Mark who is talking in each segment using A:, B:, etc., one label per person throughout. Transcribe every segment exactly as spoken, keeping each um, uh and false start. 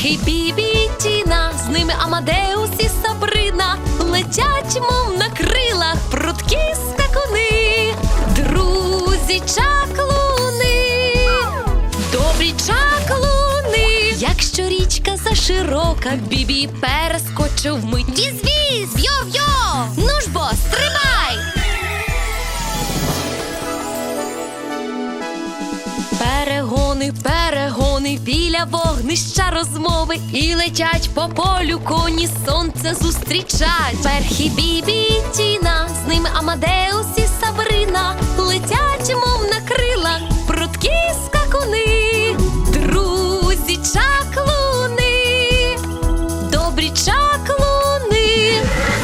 A: Перхі, Бібі і Тіна, з ними Амадеус і Сабрина, летять, мов на крилах, прудкі скакуни, друзі чаклуни, добрі чаклуни. Якщо річка заширока, Бібі перескочив вмить. Віз-віз, йо-йо, ну ж бо, стрибай! Перегони, перегони, біля вогнища розмови, і летять по полю коні, сонце зустрічать. Перхі, Бібі і Тіна, з ними Амадеус і Сабрина, летять, мов на крилах, прудкі скакуни, друзі чаклуни, добрі чаклуни.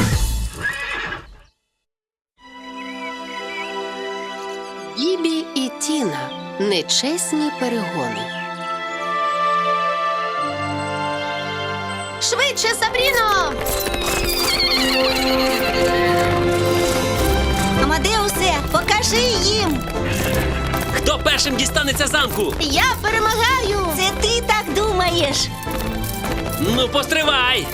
B: Бібі і Тіна. Нечесні перегони. Швидше, Сабріно!
C: Амадеусе, покажи їм!
D: Хто першим дістанеться замку?
B: Я перемагаю!
C: Це ти так думаєш?
D: Ну, постривай!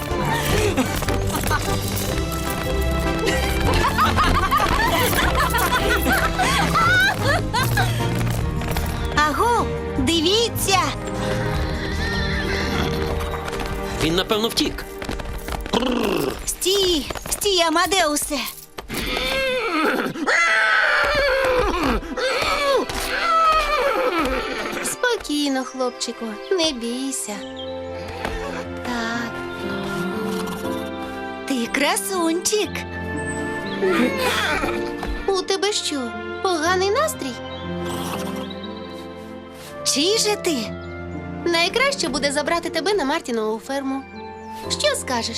C: Аго, дивіться!
D: Він, напевно, втік.
C: Стій, стій, Амадеусе!
B: Спокійно, хлопчику, не бійся. Так.
C: Ти красунчик!
B: У тебе що, поганий настрій?
C: Чий же ти?
B: Найкраще буде забрати тебе на Мартінову ферму. Що скажеш?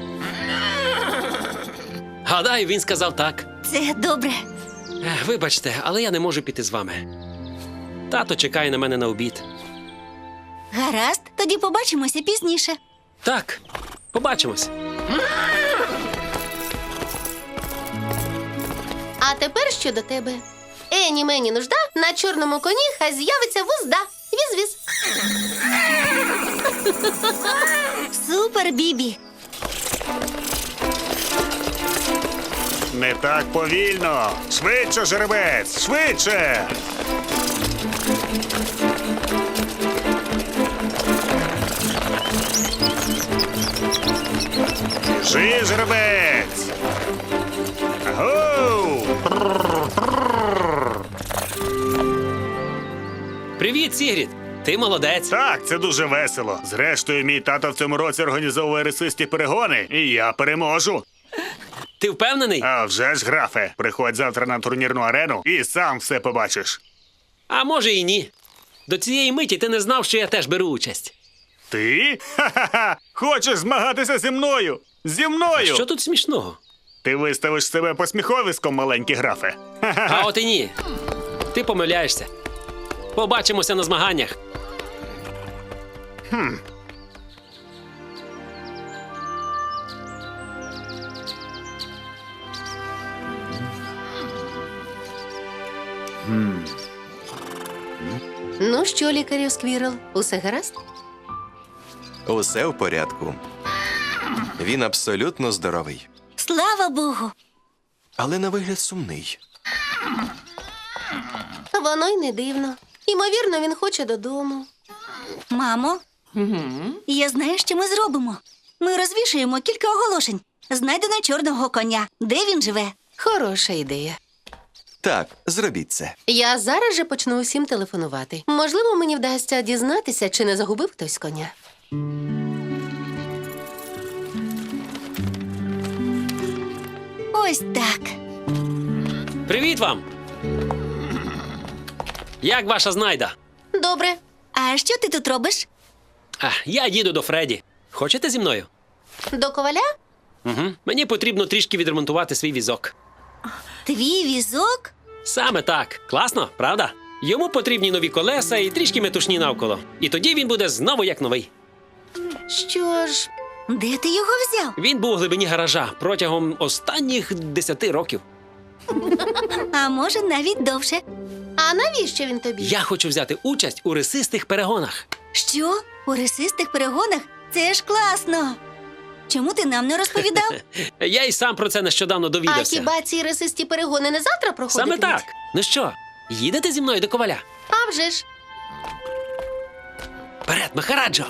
D: Гадаю, він сказав так.
C: Це добре.
D: Ех, Вибачте, але я не можу піти з вами. Тато чекає на мене на обід.
C: Гаразд, тоді побачимося пізніше.
D: Так, побачимось.
B: А тепер що до тебе? Ені мені нужда, на чорному коні хай з'явиться вузда. Віз-віз.
C: Супер, Бібі!
E: Не так повільно! Швидше, жеребець! Швидше! Біжи, жеребець! Агоу!
D: Привіт, Сігрід! Ти молодець.
E: Так, це дуже весело. Зрештою, мій тато в цьому році організовує рисисті перегони, і я переможу.
D: Ти впевнений?
E: А вже ж, графе, приходь завтра на турнірну арену і сам все побачиш.
D: А може і ні. До цієї миті ти не знав, що я теж беру участь.
E: Ти? Ха-ха-ха! Хочеш змагатися зі мною? Зі мною!
D: Що тут смішного?
E: Ти виставиш себе посміховиськом, маленький графе.
D: А от і ні. Ти помиляєшся. Побачимося на змаганнях.
E: Хм.
B: Ну що, лікарю Сквірл, усе гаразд?
F: Усе в порядку. Він абсолютно здоровий,
C: Слава Богу!
F: але на вигляд сумний.
B: Воно й не дивно. Ймовірно, він хоче додому.
C: Мамо, я знаю, що ми зробимо. Ми розвішуємо кілька оголошень. Знайдено чорного коня. Де він живе?
B: Хороша ідея.
F: Так, зробіть це.
B: Я зараз же почну усім телефонувати. Можливо, мені вдасться дізнатися, чи не загубив хтось коня.
C: Ось так.
D: Привіт вам! Як ваша знайда?
B: Добре.
C: А що ти тут робиш?
D: А, я їду до Фредді. Хочете зі мною?
B: До коваля?
D: Угу. Мені потрібно трішки відремонтувати свій візок.
C: Твій візок?
D: Саме так. Класно, правда? Йому потрібні нові колеса і трішки метушні навколо. І тоді він буде знову як новий.
B: Що ж,
C: Де ти його взяв?
D: Він був у глибині гаража протягом останніх десяти років.
C: А може, навіть довше.
B: а навіщо він тобі?
D: Я хочу взяти участь у рисистих перегонах.
C: Що? У рисистих перегонах? Це ж класно. Чому ти нам не розповідав?
D: Я й сам про це нещодавно
B: А
D: довідався.
B: хіба ці рисисті перегони не завтра проходитимуть?
D: Саме так. Ну що, їдете зі мною до коваля?
B: А вже ж.
D: Вперед, Махараджо!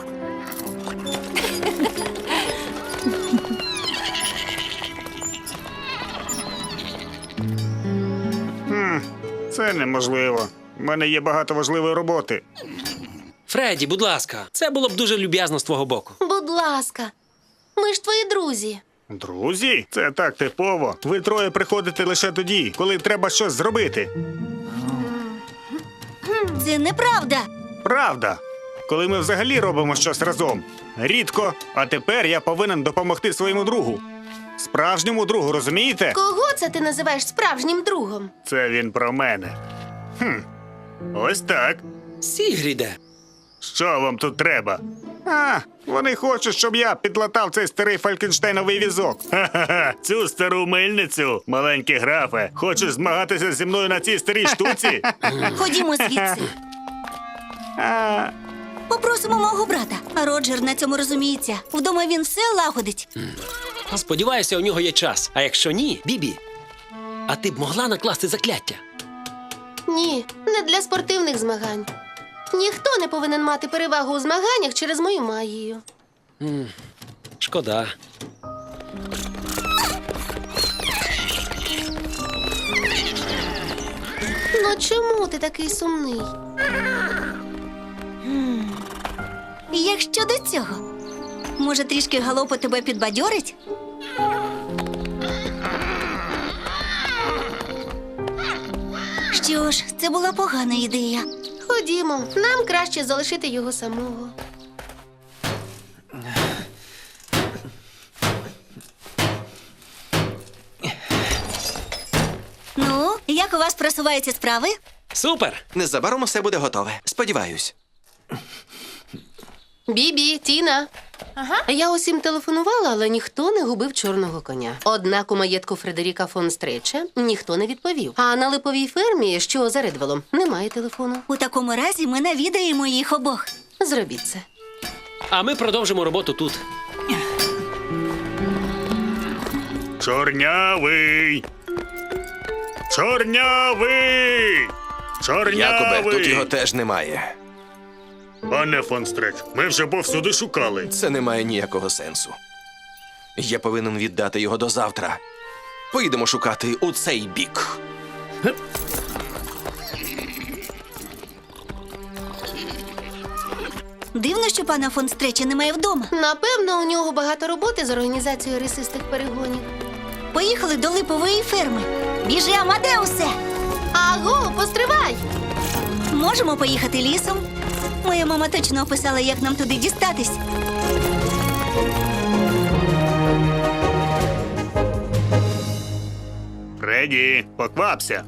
E: Це неможливо. У мене є багато важливої роботи.
D: Фредді, будь ласка, це було б дуже люб'язно з твого боку.
B: Будь ласка. Ми ж твої друзі.
E: Друзі, це так типово. Ви троє приходите лише тоді, коли треба щось зробити.
C: Це неправда.
E: Правда. Коли ми взагалі робимо щось разом. Рідко, а тепер я повинен допомогти своєму другу. Справжньому другу, розумієте?
B: Кого це ти називаєш справжнім другом?
E: Це він про мене. Хм. Ось так.
D: Сігріде.
E: Що вам тут треба? А, вони хочуть, щоб я підлатав цей старий фалькенштейновий візок. Ха-ха-ха, цю стару мильницю, маленький графе. Хочеш змагатися зі мною на цій старій штуці?
C: Ходімо звідси.
E: А,
C: Попросимо мого брата. А Роджер на цьому розуміється. Вдома він все лагодить.
D: Сподіваюся, у нього є час. А якщо ні, Бібі, а ти б могла накласти закляття?
B: Ні, не для спортивних змагань. Ніхто не повинен мати перевагу у змаганнях через мою магію.
D: Шкода.
B: Ну чому ти такий сумний?
C: Як щодо цього? Може, трішки галопу тебе підбадьорить? Що ж, це була погана ідея.
B: Ходімо, нам краще залишити його самого.
C: Ну, як у вас просуваються справи?
D: Супер!
F: Незабаром усе буде готове. Сподіваюсь.
B: Бібі, Тіна. Ага. Я усім телефонувала, але ніхто не губив чорного коня. Однак у маєтку Фредеріка фон Стреча ніхто не відповів. А на липовій фермі, що за Редвелом, немає телефону.
C: У такому разі ми навідаємо їх обох.
B: Зробіть це.
D: А ми продовжимо роботу тут.
E: чорнявий! Чорнявий! Чорнявий!
F: Якубе, тут його теж немає.
E: Пане фон Стреч, ми вже повсюди шукали.
F: Це не має ніякого сенсу. Я повинен віддати його до завтра. Поїдемо шукати у цей бік.
C: Дивно, що пана фон Стреча немає вдома.
B: Напевно, у нього багато роботи з організацією рисистих перегонів.
C: Поїхали до липової ферми. Біжи, Амадеусе!
B: Аго, постривай!
C: Можемо поїхати лісом? Моя мама точно описала, як нам туди дістатись.
E: Фредді, поквапся.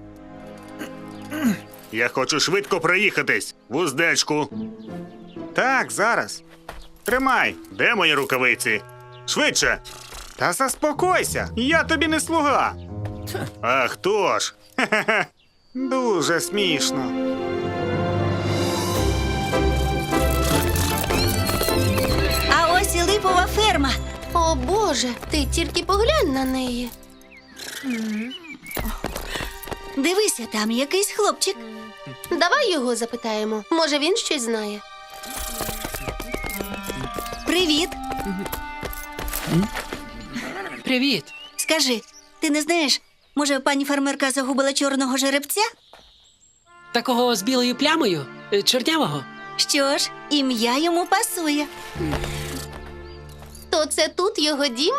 E: Я хочу швидко проїхатись. Вуздечку. Так, зараз. Тримай. Де мої рукавиці? Швидше. Та заспокойся. Я тобі не слуга. А хто ж? Хе-хе-хе. Дуже смішно.
C: А ось і липова ферма.
B: О Боже, ти тільки поглянь на неї.
C: Дивися, там якийсь хлопчик.
B: Давай його запитаємо. Може, він щось знає.
C: Привіт.
D: Привіт!
C: Скажи, ти не знаєш, може, пані фермерка загубила чорного жеребця?
D: Такого з білою плямою? Е, Чорнявого?
C: Що ж, ім'я йому пасує.
B: То це тут його дім?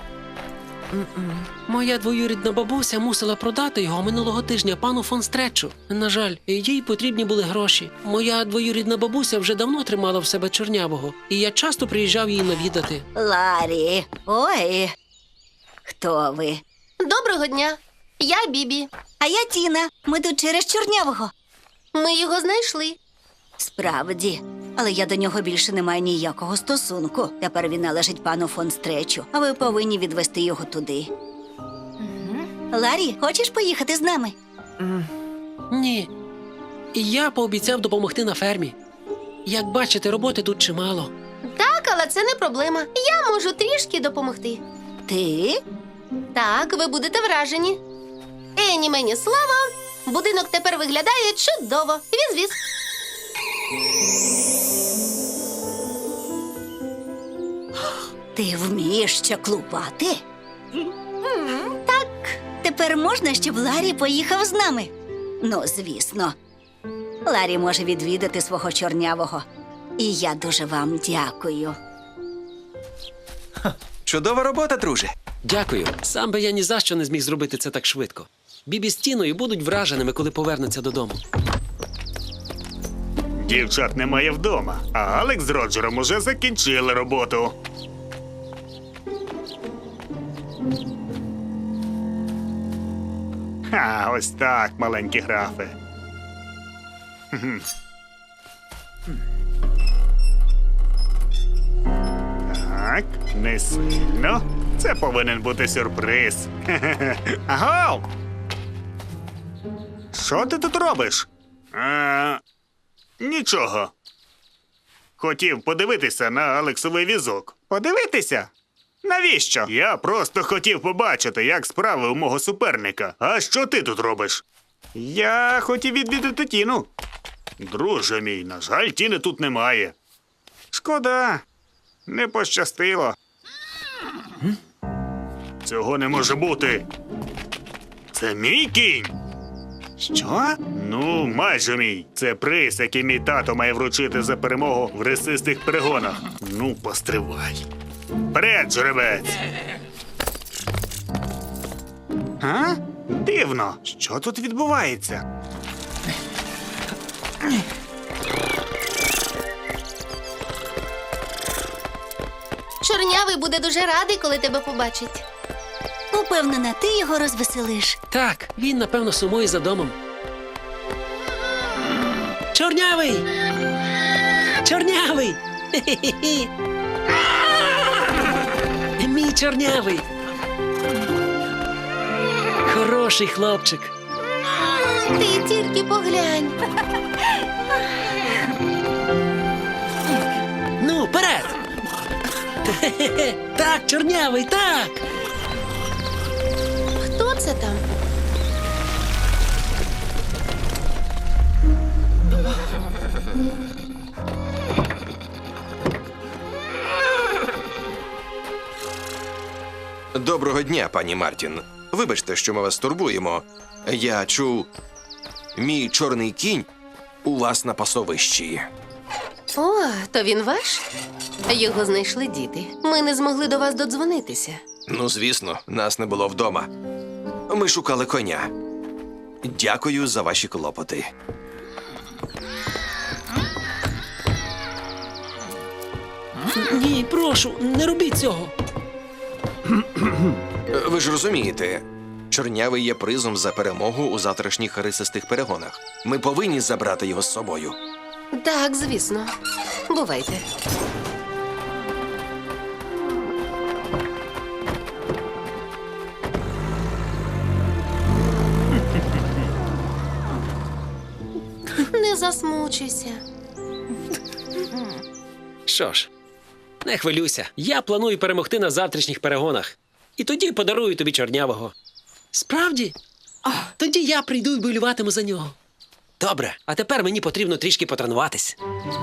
D: Моя двоюрідна бабуся мусила продати його минулого тижня пану фон Стречу. На жаль, їй потрібні були гроші. Моя двоюрідна бабуся вже давно тримала в себе чорнявого, і я часто приїжджав її навідати.
C: Ларі, ой, хто ви?
B: Доброго дня. Я Бібі.
C: А я Тіна. Ми тут через чорнявого.
B: Ми його знайшли.
C: Справді, але я до нього більше не маю ніякого стосунку. Тепер він належить пану фон Стречу, а ви повинні відвести його туди. Ларі, хочеш поїхати з нами?
D: Ні. І я пообіцяв допомогти на фермі. Як бачите, роботи тут чимало.
B: Так, Так, але це не проблема. Я можу трішки допомогти.
C: Ти?
B: Так, ви будете вражені. Ені мені слава. Будинок тепер виглядає чудово. Віз-віз.
C: Ти вмієш чаклувати? Так. Тепер можна, щоб Ларі поїхав з нами? Ну, звісно. Ларі може відвідати свого чорнявого. І я дуже вам дякую.
F: Чудова робота, друже.
D: Дякую. Сам би я ні за що не зміг зробити це так швидко. Бібі з Тіною будуть враженими, коли повернуться додому.
E: Дівчат немає вдома, а Алекс з Роджером уже закінчили роботу. Ха, ось так, маленькі графи. Хм. Так, не сильно. Це повинен бути сюрприз. Хе-хе-хе. Аго! Що ти тут робиш? А, нічого. Хотів подивитися на Алексовий візок. Подивитися? Навіщо? Я просто хотів побачити, як справи у мого суперника. А що ти тут робиш? Я хотів відвідати Тіну. Друже мій, на жаль, Тіни тут немає. Шкода. Не пощастило. Цього не може бути. Це мій кінь. Що? Ну, майже мій. Це приз, який мій тато має вручити за перемогу в ресистих перегонах. Ну, постривай. Вперед, жеребець! А? Дивно. Що тут відбувається?
B: Чорнявий буде дуже радий, коли тебе побачить.
C: Упевнена, ти його розвеселиш.
D: Так, він, напевно, сумує за домом. Чорнявий! Чорнявий! Хе-хе-хе! Мій чорнявий! Хороший хлопчик.
B: Ти тільки поглянь.
D: Ну, вперед! Хе-хе-хе! Так, чорнявий, так!
B: Хто це там?
F: Доброго дня, пані Мартін. Вибачте, що ми вас турбуємо. Я чув, мій чорний кінь у вас на пасовищі.
B: О, то він ваш? Його знайшли діти. Ми не змогли до вас додзвонитися.
F: Ну, звісно, нас не було вдома. Ми шукали коня. Дякую за ваші клопоти.
D: Ні, прошу, не робіть цього.
F: Ви ж розумієте, чорнявий є призом за перемогу у завтрашніх рисистих перегонах. Ми повинні забрати його з собою.
B: Так, звісно. Бувайте. Не засмучуйся.
D: Що ж, не хвилюйся. Я планую перемогти на завтрашніх перегонах. І тоді подарую тобі чорнявого. Справді? Тоді я прийду і болюватиму за нього. Добре, а тепер мені потрібно трішки потренуватись.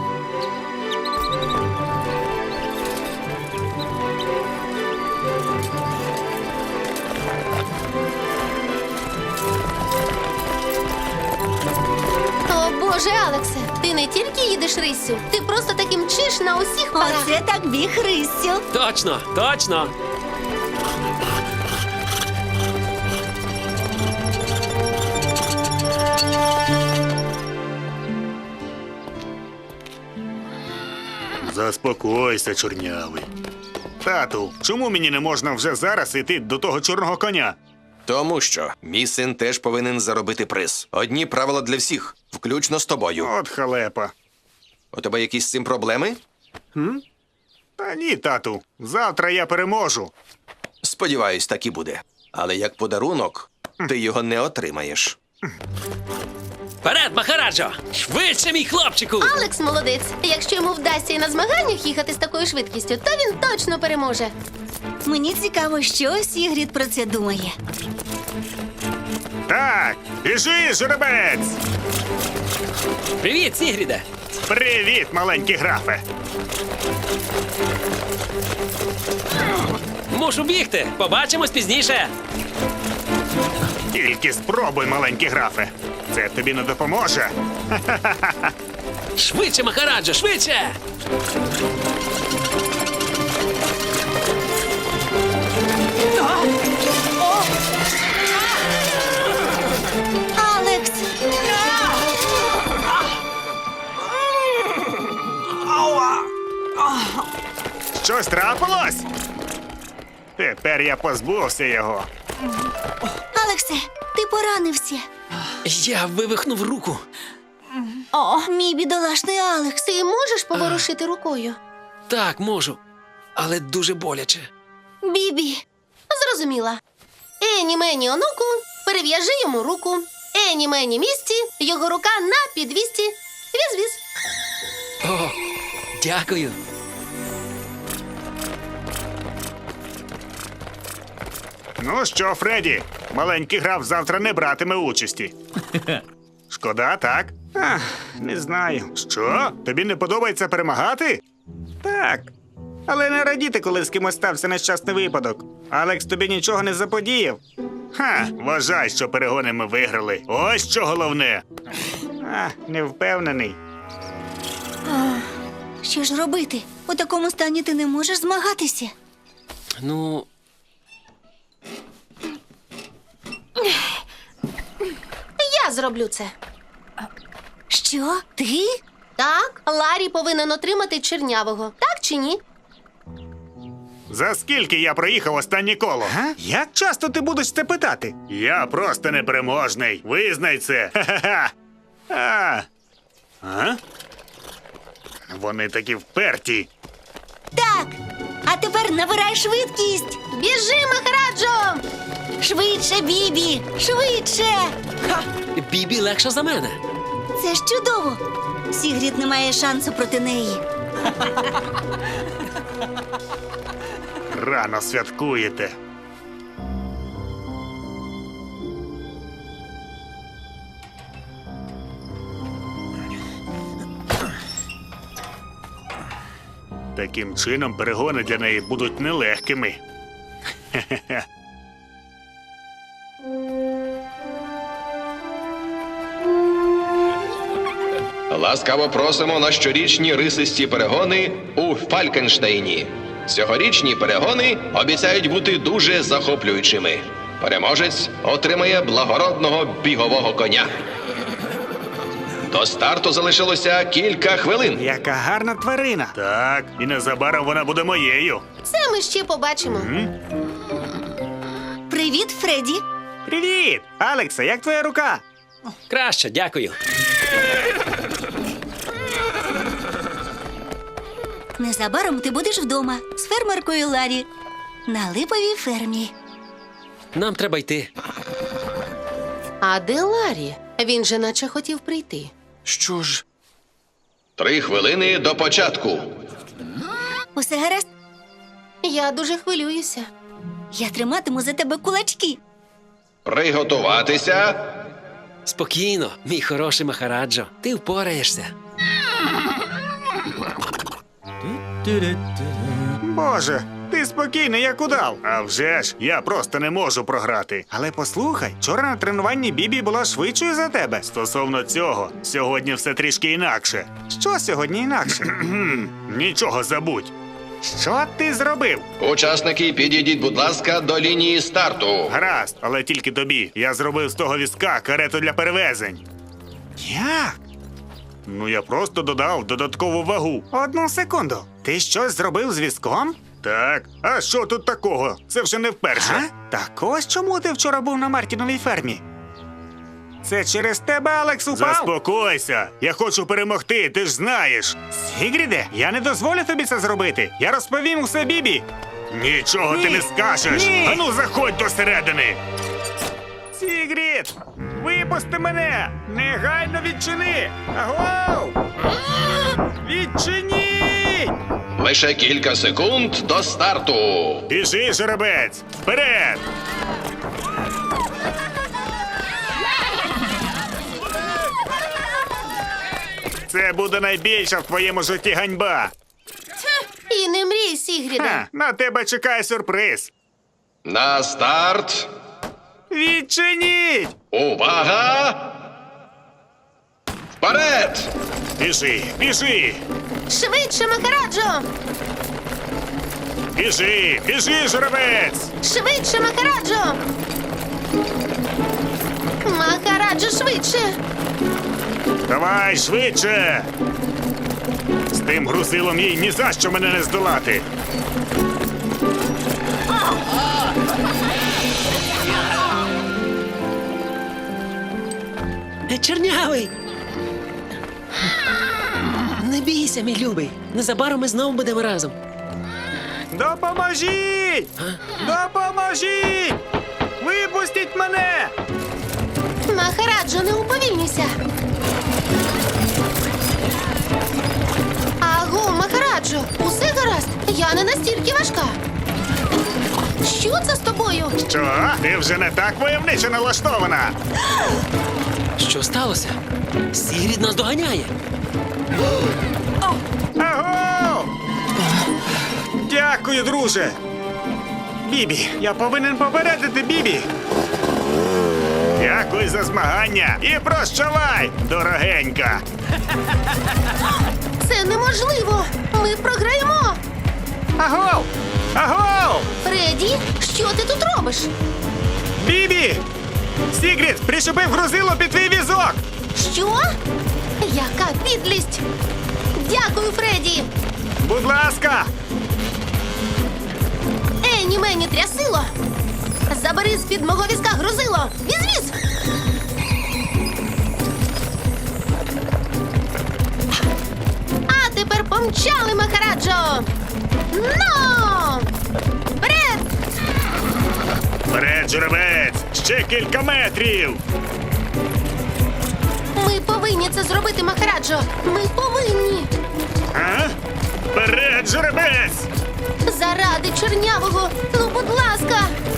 B: О, Боже, Алексе, ти не тільки їдеш риссю, ти просто таки мчиш на усіх парах.
C: Оце так біг Христю.
D: Точно, точно.
E: Заспокойся, чорнявий. Тату, чому мені не можна вже зараз йти до того чорного коня?
F: Тому що мій син теж повинен заробити приз. Одні правила для всіх, включно з тобою.
E: От халепа.
F: У тебе якісь з цим проблеми?
E: Та ні, тату. Завтра я переможу.
F: Сподіваюсь, так і буде. Але як подарунок, ти його не отримаєш.
D: Вперед, Махараджо! Швидше, мій хлопчику!
B: Алекс молодець. Якщо йому вдасться і на змаганнях їхати з такою швидкістю, то він точно переможе.
C: Мені цікаво, що Сігрід про це думає.
E: Так, біжи, жеребець!
D: Привіт, Сігріде!
E: Привіт, маленький графе!
D: Мушу бігти! Побачимось пізніше!
E: Тільки спробуй, маленький графе. Це тобі не допоможе.
D: Швидше, Махараджо, швидше!
C: Алекс!
E: Щось трапилось? Тепер я позбувся його.
C: Алексе, ти поранився.
D: Я вивихнув руку.
C: О, мій бідолашний Алекс.
B: Ти можеш поворушити рукою?
D: Так, можу. Але дуже боляче.
C: Бібі.
B: Зрозуміла. Ені мені онуку, перев'яжи йому руку. Ені мені місці, його рука на підвісті. Віз-віз.
D: О, дякую.
E: Ну що, Фредді, маленький граф завтра не братиме участі. Шкода, так? Ах, не знаю. Що? Тобі не подобається перемагати? Так. Але не радіти, коли з кимось стався нещасний випадок. Алекс тобі нічого не заподіяв. Ха, вважай, що перегони ми виграли. Ось що головне. А, не впевнений.
C: Що ж робити? У такому стані ти не можеш змагатися.
D: Ну,
B: Я зроблю це.
C: Що? Ти?
B: Так, Ларі повинен отримати чернявого. Так чи ні?
E: За скільки я проїхав останнє коло? А? Як часто ти будеш це питати? Я просто непереможний. Визнай це. Ха-ха-ха. А. А? Вони такі вперті.
C: Так. А тепер набирай швидкість.
B: Біжи, Махараджо!
C: Швидше, Бібі! Швидше!
D: ха! Бібі легша за мене.
C: Це ж чудово. Сігрід не має шансу проти неї.
E: Рано святкуєте. Таким чином перегони для неї будуть нелегкими. Хе-хе-хе.
F: Ласкаво просимо на щорічні рисисті перегони у Фалькенштейні. Цьогорічні перегони обіцяють бути дуже захоплюючими. Переможець отримає благородного бігового коня. До старту залишилося кілька хвилин.
E: Яка гарна тварина. Так, і незабаром вона буде моєю.
B: Це ми ще побачимо.
C: Привіт, Фредді.
E: Привіт! Алекса, як твоя рука?
D: Краще, дякую.
C: Незабаром ти будеш вдома з фермеркою Ларі на липовій фермі.
D: Нам треба йти.
B: А де Ларі? Він же наче хотів прийти.
F: Що ж? Три хвилини до початку.
C: Усе гаразд?
B: Я дуже хвилююся.
C: Я триматиму за тебе кулачки.
F: Приготуватися.
D: Спокійно, мій хороший Махараджо. Ти впораєшся.
E: Боже, ти спокійний, як удав. А вже ж, я просто не можу програти. Але послухай, вчора на тренуванні Бібі була швидшою за тебе. Стосовно цього, сьогодні все трішки інакше. Що сьогодні інакше? Нічого забудь. Що ти зробив?
F: Учасники, підійдіть, будь ласка, до лінії старту.
E: Гаразд, але тільки тобі. Я зробив з того візка карету для перевезень. Як? Ну, я просто додав додаткову вагу. Одну секунду. Ти щось зробив з візком? Так. А що тут такого? Це вже не вперше. А? Так ось чому ти вчора був на Мартіновій фермі? Це через тебе, Алекс, упав? Заспокойся. Я хочу перемогти, ти ж знаєш. Сігріде, я не дозволю тобі це зробити. Я розповім усе Бібі. Нічого
B: Ні.
E: ти не скажеш.
B: Ні.
E: Ану, заходь до середини. Ці... Сігрід! Випусти мене! Негайно відчини! Агоу! Відчиніть!
G: Лише кілька секунд до старту.
E: Біжи, жеребець! Вперед! Це буде найбільша в твоєму житті ганьба.
B: І не мрій, Сігріде.
E: Ха, на тебе чекає сюрприз.
G: На старт.
E: Відчиніть!
G: Увага! Вперед!
E: Біжи, біжи!
B: Швидше, Махараджо!
E: Біжи, біжи, жеребець!
B: Швидше, Махараджо! Махараджо, швидше!
E: Давай швидше! З тим грузилом їй ні за що мене не здолати.
D: Е, Чорнявий! Не бійся, мій любий. Незабаром ми знову будемо разом.
E: Допоможіть! Допоможіть! Випустіть мене!
B: Махараджо, не уповільнюйся! Аго, Махараджо, усе гаразд? Я не настільки важка. Що це з тобою?
E: Що? Ти вже не так войовниче налаштована.
D: Що сталося? Сігрід нас доганяє.
E: Аго! Дякую, друже. Бібі, я повинен попередити Бібі. Дякую за змагання і прощавай, дорогенька.
B: Це неможливо! Ми програємо!
E: Агов! Агов!
B: Фредді, що ти тут робиш?
E: Бібі! Сігрід прищепив грузило під твій візок!
B: Що? Яка підлість! Дякую, Фредді!
E: Будь ласка!
B: Ені мені трясило! Забери з-під мого візка грузило! Віз-віз! А тепер помчали, Махараджо! Ну! Вперед!
E: Вперед, жеребець! Ще кілька метрів!
B: Ми повинні це зробити, Махараджо! Ми повинні!
E: А? Вперед, жеребець!
B: Заради чорнявого! Ну, будь ласка!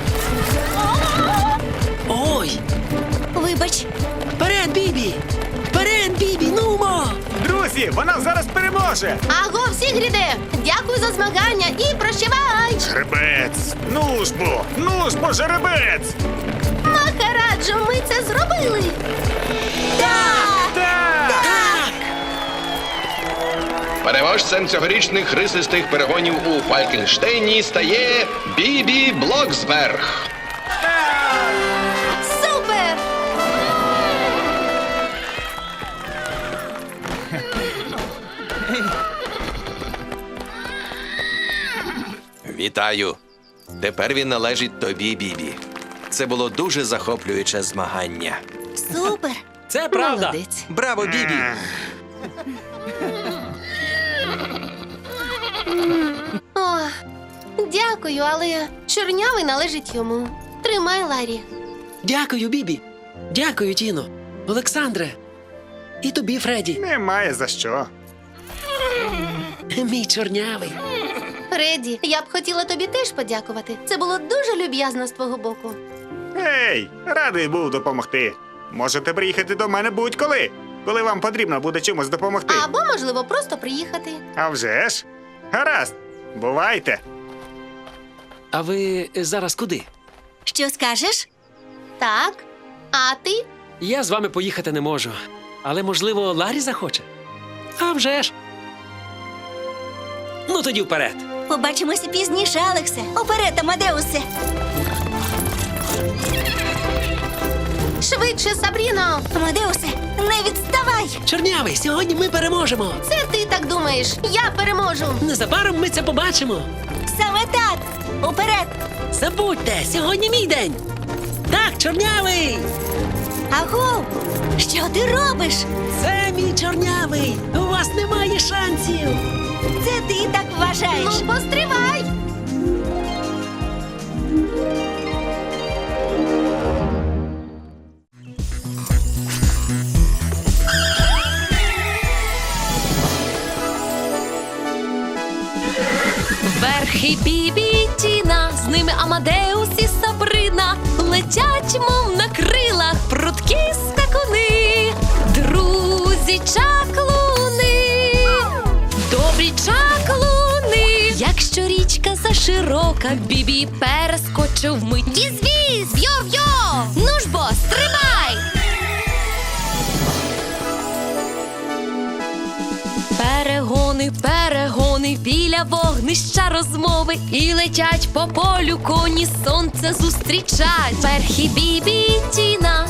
D: Ой!
C: Вибач,
D: Вперед, Бібі! Вперед, Бібі! Нумо!
E: Друзі, вона зараз переможе!
B: Аго, Сігріде! Дякую за змагання і прощавай!
E: Жеребець! Ну ж бо! Ну ж бо, жеребець!
B: Махараджо, ми це зробили! Так!
E: Так!
G: Переможцем цьогорічних рисистих перегонів у Фалькенштейні стає Бібі Блоксберг.
B: Супер!
F: Вітаю! Тепер він належить тобі, Бібі. Це було дуже захоплююче змагання.
C: супер!
D: Це правда!
B: Молодець.
F: Браво, Бібі!
B: О, дякую, але чорнявий належить йому. Тримай, Ларі.
D: Дякую, Бібі! Дякую, Тіно! Олександре! І тобі, Фредді!
E: Немає за що.
D: Мій чорнявий!
B: Фредді, я б хотіла тобі теж подякувати. Це було дуже люб'язно з твого боку.
E: Ей, радий був допомогти. Можете приїхати до мене будь-коли, коли вам потрібно буде чимось допомогти.
B: Або, можливо, просто приїхати.
E: А вже ж? Гаразд, бувайте.
D: А ви зараз куди?
C: Що скажеш?
B: Так. А ти?
D: Я з вами поїхати не можу. Але, можливо, Ларі захоче? А вже ж! Ну тоді вперед!
C: Побачимося пізніше, Алексе. Уперед, Амадеусе.
B: Швидше, Сабріно!
C: Амадеусе, не відставай!
D: Чорнявий, сьогодні ми переможемо!
B: Це ти так думаєш. Я переможу.
D: Незабаром ми це побачимо!
C: Саме так! Уперед!
D: Забудьте, сьогодні мій день! Так, чорнявий!
C: Агу! Що ти робиш?
D: Це мій чорнявий! У вас немає шансів!
C: Це ти так вважаєш?
B: Ну, постривай!
A: Перхі Бібі і Тіна, з ними Амадеус і Сабрина, летять, мов на крилах, прудкі скакуни, друзі чаклуни, добрі чаклуни. Якщо річка заширока, Бібі перескочив мить. Віз-віз, йо-йо, ну ж бо, стрибай! Перегони, перегони, біля вогнища розмови, і летять по полю коні, сонце зустрічать. Перхі Бібі і Тіна,